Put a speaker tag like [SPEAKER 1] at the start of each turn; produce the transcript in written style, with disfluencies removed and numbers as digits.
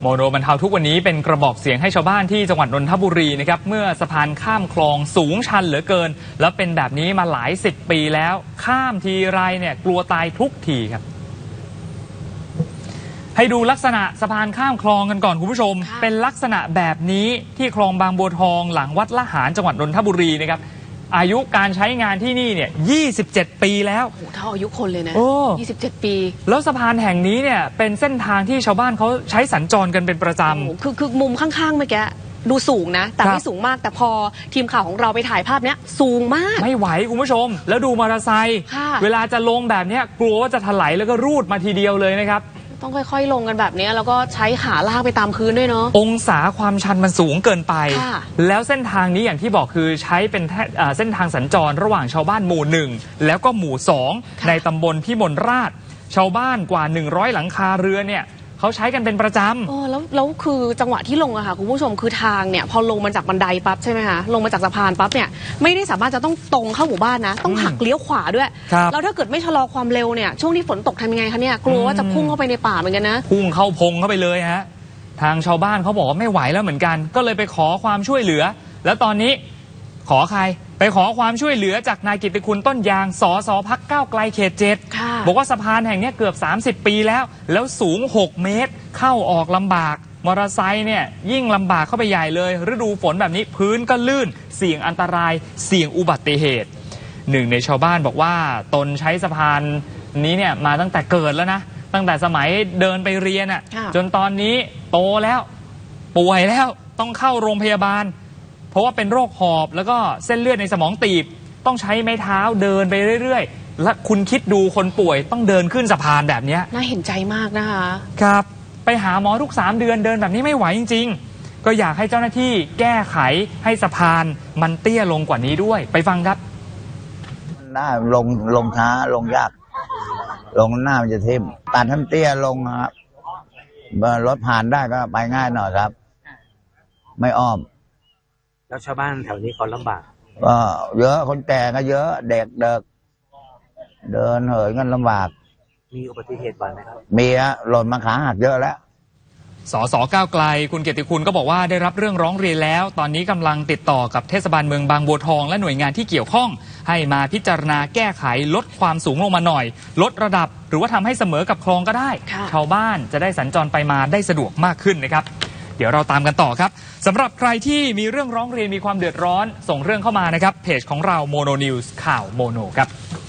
[SPEAKER 1] โมโนบรรเทาทุกวันนี้เป็นกระบอกเสียงให้ชาวบ้านที่จังหวัดนนทบุรีนะครับเมื่อสะพานข้ามคลองสูงชันเหลือเกินแล้วเป็นแบบนี้มาหลาย10 ปีแล้วข้ามทีไรเนี่ยกลัวตายทุกทีครับให้ดูลักษณะสะพานข้ามคลองกันก่อนคุณผู้ชมเป็นลักษณะแบบนี้ที่คลองบางบัวทองหลังวัดละหารจังหวัดนนทบุรีนะครับอายุการใช้งานที่นี่เนี่ย27 ปีแล้ว
[SPEAKER 2] โอ้เท่าอายุคนเลยนะ27 ปี
[SPEAKER 1] แล้วสะพานแห่งนี้เนี่ยเป็นเส้นทางที่ชาวบ้านเขาใช้สัญจรกันเป็นประจำ
[SPEAKER 2] คือมุมข้างๆเมื่อกี้ดูสูงนะแต่ไม่สูงมากแต่พอทีมข่าวของเราไปถ่ายภาพเนี้ยสูงมาก
[SPEAKER 1] ไม่ไหวคุณผู้ชมแล้วดูมอเตอร์ไซค์เวลาจะลงแบบนี้กลัวว่าจะถลายแล้วก็รูดมาทีเดียวเลยนะครับ
[SPEAKER 2] ต้องค่อยๆลงกันแบบนี้แล้วก็ใช้ขาลากไปตามพื้นด้วยเนาะ
[SPEAKER 1] องศาความชันมันสูงเกินไปแล้วเส้นทางนี้อย่างที่บอกคือใช้เป็นเส้นทางสัญจรระหว่างชาวบ้านหมู่1แล้วก็หมู่2ในตำบลพิมลราชชาวบ้านกว่า100หลังคาเรือนเนี่ยเขาใช้กันเป็นประจำ
[SPEAKER 2] แล้วคือจังหวะที่ลงอะค่ะคุณผู้ชมคือทางเนี่ยพอลงมาจากบันไดปั๊บใช่ไหมคะลงมาจากสะพานปั๊บเนี่ยไม่ได้สามารถจะต้องตรงเข้าหมู่บ้านนะต้องหักเลี้ยวขวาด้วยแล้วถ้าเกิดไม่ชะลอความเร็วเนี่ยช่วงที่ฝนตกทำยังไงคะเนี่ยกลัวว่าจะพุ่งเข้าไปในป่าเหมือนกันนะ
[SPEAKER 1] พุ่งเข้าพงเข้าไปเลยฮะทางชาวบ้านเขาบอกว่าไม่ไหวแล้วเหมือนกันก็เลยไปขอความช่วยเหลือแล้วตอนนี้ขอใครไปขอความช่วยเหลือจากนายกิตติคุณต้นยางสสพรรคก้าวไกลเขต7บอกว่าสะพานแห่งนี้เกือบ30 ปีแล้วสูง6 เมตรเข้าออกลำบากมอเตอร์ไซค์เนี่ยยิ่งลำบากเข้าไปใหญ่เลยฤดูฝนแบบนี้พื้นก็ลื่นเสี่ยงอันตรายเสี่ยงอุบัติเหตุหนึ่งในชาวบ้านบอกว่าตนใช้สะพานนี้เนี่ยมาตั้งแต่เกิดแล้วนะตั้งแต่สมัยเดินไปเรียนจนตอนนี้โตแล้วป่วยแล้วต้องเข้าโรงพยาบาลเพราะว่าเป็นโรคหอบแล้วก็เส้นเลือดในสมองตีบต้องใช้ไม้เท้าเดินไปเรื่อยๆและคุณคิดดูคนป่วยต้องเดินขึ้นสะพานแบบนี้
[SPEAKER 2] น่าเห็นใจมากนะคะ
[SPEAKER 1] ครับไปหาหมอทุก3 เดือนเดินแบบนี้ไม่ไหวจริงๆก็อยากให้เจ้าหน้าที่แก้ไขให้สะพานมันเตี้ยลงกว่านี้ด้วยไปฟังครับ
[SPEAKER 3] ได้ลงช้าลงยากลงหน้ามันจะทิ่มตัดให้เตี้ยลงครับรถผ่านได้ก็ไปง่ายหน่อยครับไม่อ้อม
[SPEAKER 4] แล้วชาวบ้านแถวนี้เขาลำบาก
[SPEAKER 3] ก็เยอะคนแก่ก็เยอะเด็กเดินเหินกันลำบาก
[SPEAKER 4] มีอุบัติเหตุบ่อยไหมครับ
[SPEAKER 3] มีหล่นมาขาหักเยอะแล้ว
[SPEAKER 1] สสก้าวไกลคุณเกียรติคุณก็บอกว่าได้รับเรื่องร้องเรียนแล้วตอนนี้กำลังติดต่อกับเทศบาลเมืองบางบัวทองและหน่วยงานที่เกี่ยวข้องให้มาพิจารณาแก้ไขลดความสูงลงมาหน่อยลดระดับหรือว่าทำให้เสมอกับคลองก็ได้ชาวบ้านจะได้สัญจรไปมาได้สะดวกมากขึ้นนะครับเดี๋ยวเราตามกันต่อครับสำหรับใครที่มีเรื่องร้องเรียนมีความเดือดร้อนส่งเรื่องเข้ามานะครับเพจของเราโมโนนิวส์ข่าวโมโนครับ